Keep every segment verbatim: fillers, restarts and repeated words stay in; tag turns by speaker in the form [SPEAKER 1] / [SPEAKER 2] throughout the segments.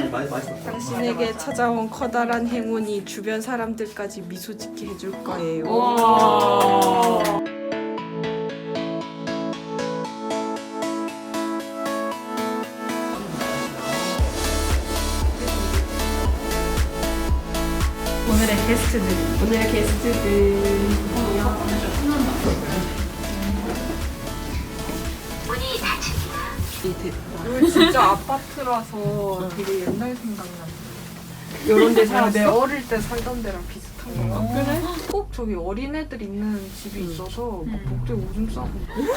[SPEAKER 1] 많이 많이 맛있었어.
[SPEAKER 2] 당신에게 찾아온 커다란 행운이 주변 사람들까지 미소 짓게 해줄 거예요.
[SPEAKER 3] 오늘의 게스트들.
[SPEAKER 2] 오늘의 게스트들.
[SPEAKER 4] 여기 진짜 아파트라서 되게 옛날 생각나.
[SPEAKER 2] 이런 데 살았어?
[SPEAKER 4] 내 어릴 때 살던 데랑 비슷한 거 같아. 그래? 꼭 저기 어린애들 있는 집이 있어서 막 복도에 오줌 싸고.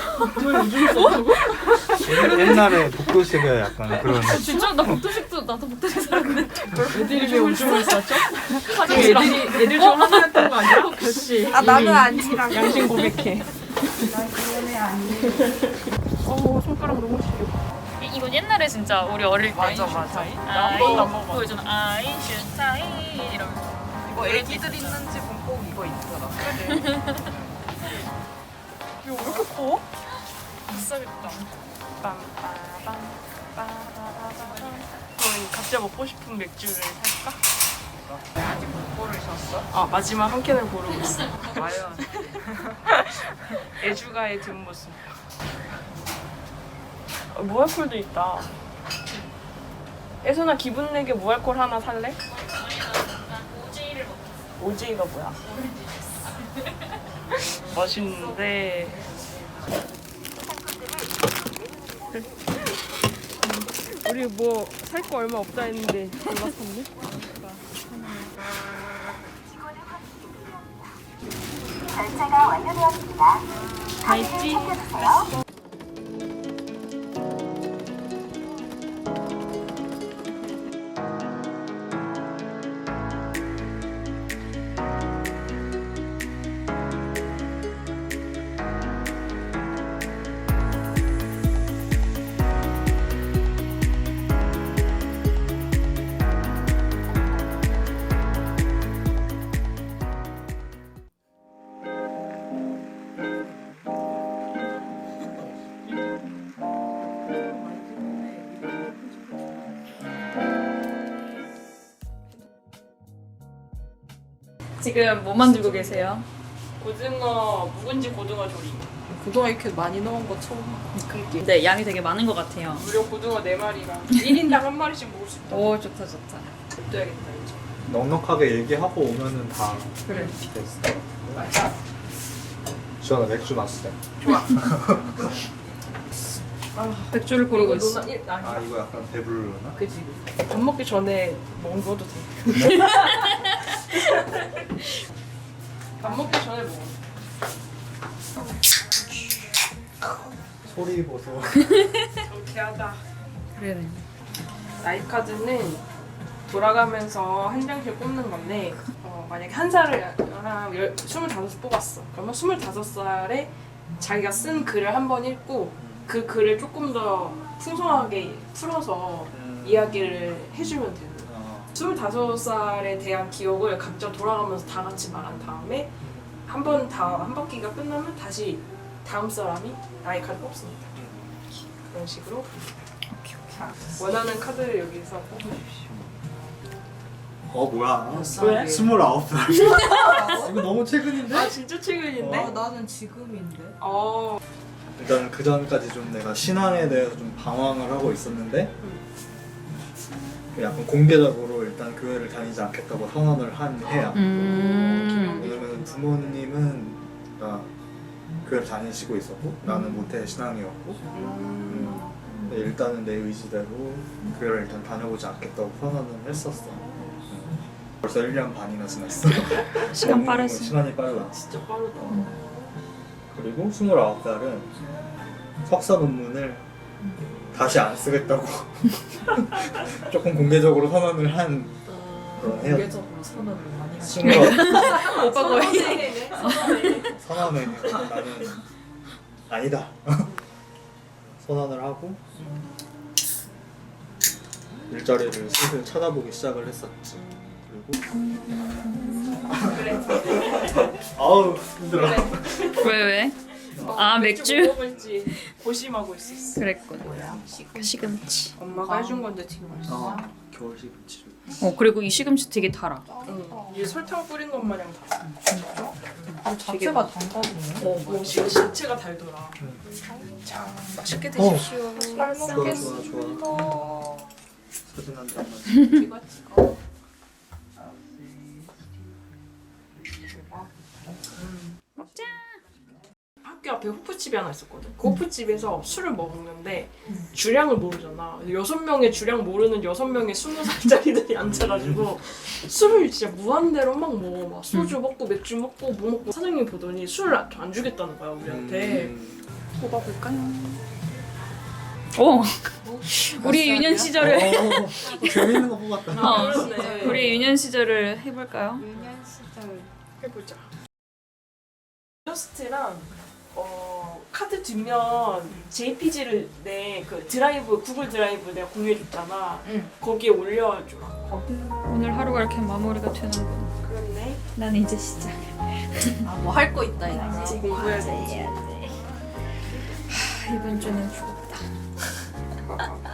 [SPEAKER 1] 옛날에 복도식에 약간 그런.
[SPEAKER 3] 진짜 나 복도식도 나도 복도식 살았는데.
[SPEAKER 2] 애들이 왜 오줌을 싸죠?
[SPEAKER 3] 화장실이랑
[SPEAKER 2] 애들이 애들 중 하나였던 거 아니야? 그렇지.
[SPEAKER 4] 아 나는 아니라고.
[SPEAKER 2] 양심 고백해.
[SPEAKER 4] 난 그런 애 아니에요. 어 손가락 너무 시려.
[SPEAKER 3] 이건 옛날에 진짜 우리 어릴 때.
[SPEAKER 4] 맞아 맞아.
[SPEAKER 3] 아이, 그거 있잖아. 아인슈타인 이러면서.
[SPEAKER 4] 이거 애기들 있는 집은 꼭 이거 있더라. 그래. 이거 왜 이렇게 커?
[SPEAKER 3] 비싸겠다.
[SPEAKER 4] 빰빠밤 빠바바바밤. 저희 각자 먹고 싶은 맥주를 살까? 아직 못 고르셨어?
[SPEAKER 2] 아 마지막 한 캔을 고르고 있어.
[SPEAKER 4] 과연
[SPEAKER 2] 애주가의 뒷모습. 어, 무알콜도 있다. 애선아 기분 내게 무알콜 하나 살래?
[SPEAKER 3] 오지를 먹
[SPEAKER 2] 오지이가 뭐야? 멋있는데. 우리 뭐 살 거 얼마 없다 했는데 골랐었네.
[SPEAKER 5] 결제가 완료되었습니다.
[SPEAKER 2] 다 있지?
[SPEAKER 3] 지금 뭐 만들고 계세요?
[SPEAKER 2] 고등어 묵은지 고등어 조림. 고등어 이렇게 많이 넣은 거 처음 봐.
[SPEAKER 3] 근데 양이 되게 많은 것 같아요.
[SPEAKER 2] 무려 고등어 네 마리랑 일 인당 한 마리씩 먹을 수 있다.
[SPEAKER 3] 오 좋다 좋다.
[SPEAKER 2] 냅둬야겠다 이제.
[SPEAKER 1] 넉넉하게 얘기하고 오면은 다
[SPEAKER 2] 그래.
[SPEAKER 1] 됐어. 주원아 맥주 마시자.
[SPEAKER 3] 백주를 고르고 있어.
[SPEAKER 2] 너나 일 아니.
[SPEAKER 1] 아 이거 약간 배부르나?
[SPEAKER 2] 그지. 밥 먹기 전에 먹어도 돼. 밥 먹기 전에 먹어.
[SPEAKER 1] 소리 보소.
[SPEAKER 2] 경쾌하다.
[SPEAKER 3] 그래.
[SPEAKER 2] 라이카드는 돌아가면서 한 장씩 뽑는 건데 어, 만약에 한 살을 한 열- 스물다섯 뽑았어. 그러면 스물다섯 살에 자기가 쓴 글을 한 번 읽고 그 글을 조금 더 풍성하게 풀어서 이야기를 해주면 되는 거야.
[SPEAKER 1] 어,
[SPEAKER 2] 스물다섯 살에 대한 기억을 각자 돌아가면서 다 같이 말한 다음에 한 번 다 한 바퀴가 끝나면 다시 다음 사람이 라이카드 뽑습니다. 그런 식으로 자, 원하는 카드를 여기서 뽑으십시오.
[SPEAKER 1] 어 뭐야?
[SPEAKER 2] 왜?
[SPEAKER 1] 스물아홉 살. 이거 너무 최근인데?
[SPEAKER 2] 아 진짜 최근인데?
[SPEAKER 1] 어.
[SPEAKER 4] 나는 지금인데.
[SPEAKER 2] 어.
[SPEAKER 1] 일단 그 전까지 좀 내가 신앙에 대해서 좀 방황을 하고 있었는데 그 약간 공개적으로 일단 교회를 다니지 않겠다고 선언을 한 해야.
[SPEAKER 3] 음.
[SPEAKER 1] 왜냐면 부모님은 나 교회를 다니시고 있었고 나는 모태 신앙이었고 음. 근데 일단은 내 의지대로 교회를 일단 다녀보지 않겠다고 선언을 했었어. 음. 벌써 일 년 반이나 지났어.
[SPEAKER 3] 시간
[SPEAKER 1] 너무
[SPEAKER 3] 빠르지.
[SPEAKER 1] 시간이 빨라.
[SPEAKER 2] 진짜 빠르다.
[SPEAKER 1] 그리고 스물아홉 살은 석사 논문을 다시 안 쓰겠다고 조금 공개적으로 선언을 한 그런 해요.
[SPEAKER 4] 공개적으로 선언을 많이 하시.
[SPEAKER 1] 스물아홉
[SPEAKER 3] 오빠 거의.
[SPEAKER 1] 선언을 나는 아니다 선언을 하고 일자리를 슬슬 찾아보기 시작을 했었지. 그리고 아우 힘들어.
[SPEAKER 3] 왜 왜? 아, 맥주?
[SPEAKER 2] 뭐 먹을지 고심하고 있었어.
[SPEAKER 3] 그랬군. 시금치.
[SPEAKER 2] 엄마가 해준 건데 되게 맛있어.
[SPEAKER 1] 어, 겨울 시금치를.
[SPEAKER 3] 어 그리고 이 시금치 되게 달아.
[SPEAKER 2] 응. 이게 설탕 뿌린 것 마냥 달아.
[SPEAKER 4] 자체가 단가지네.
[SPEAKER 2] 어, 뭐 시- 신체가 달더라. 자, 맛있게
[SPEAKER 1] 어.
[SPEAKER 2] 드십시오. 잘
[SPEAKER 1] 좋아
[SPEAKER 2] 먹겠습니다.
[SPEAKER 1] 좋아 좋아. 사진 한 장만.
[SPEAKER 2] 찍어 찍어.
[SPEAKER 3] 먹자.
[SPEAKER 2] 학교 앞에 호프집이 하나 있었거든. 그 호프집에서 술을 먹는데 주량을 모르잖아. 여섯 명의 주량 모르는 여섯 명의 스무 살짜리들이 앉아가지고 술을 진짜 무한대로 막 먹어. 막 소주 먹고 맥주 먹고 뭐 먹고 사장님 보더니 술을 안- 안 주겠다는 거야 우리한테.
[SPEAKER 1] 음.
[SPEAKER 4] 뽑아볼까요?
[SPEAKER 3] 어. 우리 유년 시절을
[SPEAKER 1] 어, 재밌는 거 뽑았다.
[SPEAKER 3] 어.
[SPEAKER 2] 그렇네.
[SPEAKER 3] 우리 유년 시절을 해볼까요?
[SPEAKER 4] 유년 시절.
[SPEAKER 2] 해보자. 일러스트랑 어, 카드 뒷면 제이피지를 내 그 드라이브 구글 드라이브 내가 공유해줬잖아.
[SPEAKER 4] 응.
[SPEAKER 2] 거기에 올려줘.
[SPEAKER 3] 오늘 하루가 이렇게 마무리가 되는군.
[SPEAKER 2] 그렇네.
[SPEAKER 3] 난 이제 시작.
[SPEAKER 4] 아뭐 할 거 있다 이제.
[SPEAKER 2] 지금 공부해야지.
[SPEAKER 3] 이번 주는 죽었다.